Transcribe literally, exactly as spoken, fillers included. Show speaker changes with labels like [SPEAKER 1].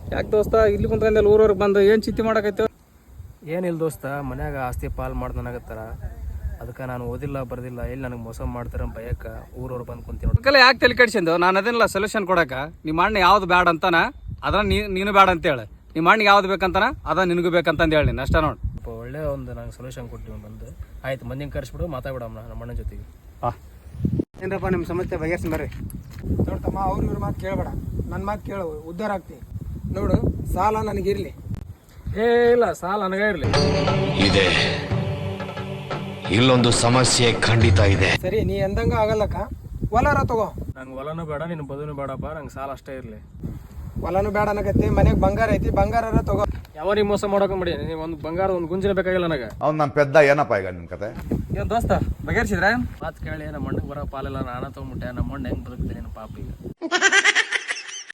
[SPEAKER 1] ಯಾಕೆ ದೋಸ್ತ ಇಲ್ಲಿ ಕುಂತ್ಕೊಂಡೆಲ್ಲ ಊರವ್ರಿಗೆ ಬಂದು ಏನು ಚಿಂತೆ ಮಾಡಕೈತೆ?
[SPEAKER 2] ಏನಿಲ್ಲ ದೋಸ್ತ, ಮನ್ಯಾಗ ಆಸ್ತಿ ಪಾಲ್ ಮಾಡ್ದನಾಗತ್ತಾರ. ಅದಕ್ಕೆ ನಾನು ಓದಿಲ್ಲ ಬರ್ದಿಲ್ಲ, ಎಲ್ಲಿ ನನಗೆ ಮೋಸ ಮಾಡ್ತಾರ ಭಯಕ್ಕ ಊರವ್ರು ಬಂದು ಕುಂತೀನಿ.
[SPEAKER 1] ಅದಕ್ಕೆಲ್ಲ ಯಾಕೆ ತಲೆ ಕೆಡ್ಸಿಂದು? ನಾನು ಅದನ್ನೆಲ್ಲ ಸೊಲ್ಯೂಷನ್ ಕೊಡಕ. ನಿಮ್ಮ ಅಣ್ಣ ಯಾವ್ದು ಬ್ಯಾಡ ಅಂತಾನ ಅದ್ರ ನೀ ನೀನು ಬ್ಯಾಡ ಅಂತೇಳಿ, ನಿಮ್ಮ ಅಣ್ಣಿಗೆ ಯಾವ್ದು ಬೇಕಂತಾನ ಅದ ನಿನಗೂ ಬೇಕಂತಂದು ಹೇಳಿ ನೀನು ಅಷ್ಟ ನೋಡಿ.
[SPEAKER 2] ಒಳ್ಳೆ ಒಂದು ನಂಗೆ ಸೊಲ್ಯೂಷನ್ ಕೊಟ್ಟಿವಿ ಬಂದು. ಆಯ್ತು, ಮಂದಿನ ಕರೆಸ್ಬಿಡು, ಮಾತಾಡ್ಬಿಡಮ್ಮ ನಮ್ಮ ಅಣ್ಣನ ಜೊತೆಗೆ.
[SPEAKER 1] ಹಾಂ
[SPEAKER 3] ಏನಪ್ಪ ನಿಮ್ಮ ಸಮಸ್ಯೆ ಬಗೆಹರಿಸಿ ಬರ್ರಿ. ನೋಡ್ತಮ್ಮ, ಅವ್ರ ಇವ್ರ ಮಾತು ಕೇಳಬೇಡ, ನನ್ನ ಮಾತು ಕೇಳು, ಉದ್ಧಾರ ಆಗ್ತಿ. ನೋಡು, ಸಾಲ ನನಗಿರಲಿ.
[SPEAKER 2] ಏ ಇಲ್ಲ, ಸಾಲ ನನಗೆ ಇರಲಿ.
[SPEAKER 4] ಇದೆ, ಇಲ್ಲೊಂದು ಸಮಸ್ಯೆ ಖಂಡಿತ ಇದೆ.
[SPEAKER 3] ಸರಿ, ನೀ ಎಂದಂಗ ಆಗಲ್ಲಕ್ಕ. ಹೊಲರ ತಗೋ.
[SPEAKER 2] ನಂಗೆ ಹೊಲನೂ ಬೇಡ, ನಿನ್ನ ಬದುನು ಬೇಡಪ್ಪ, ನಂಗೆ ಸಾಲ ಅಷ್ಟೇ ಇರಲಿ.
[SPEAKER 3] ಹೊಲನು ಬೇಡ ಅನ್ನಕತ್ತಿ, ಮನೆಗೆ ಬಂಗಾರ ಐತಿ, ಬಂಗಾರ ತಗೋ.
[SPEAKER 2] ಯಾವ ನೀವು ಮೋಸ ಮಾಡೋಕೊಂಬಿಡಿ. ನೀವು ಒಂದು ಬಂಗಾರ ಒಂದು ಗುಂಜಿನ ಬೇಕಾಗಿಲ್ಲ ನನಗೆ.
[SPEAKER 5] ಅವ್ನು ನನ್ನ ಪೆದ್ದ ಏನಪ್ಪ ಈಗ ನಿನ್ನ ಕತೆ?
[SPEAKER 1] ಏನು ದೋಸ್ತ ಬಗೆಹರಿಸಿದ್ರೆ?
[SPEAKER 2] ಮಾತು ಕೇಳಿ ನಮ್ಮ ಅಣ್ಣಗೆ ಬರೋ ಪಾಲೆಲ್ಲ ನಾನು ತೊಗೊಂಬಿಟ್ಟೆ. ನಮ್ಮ ಅಣ್ಣ ಹೆಂಗೆ ಬದುಕ್ತೀನಿ ಪಾಪ ಈಗ.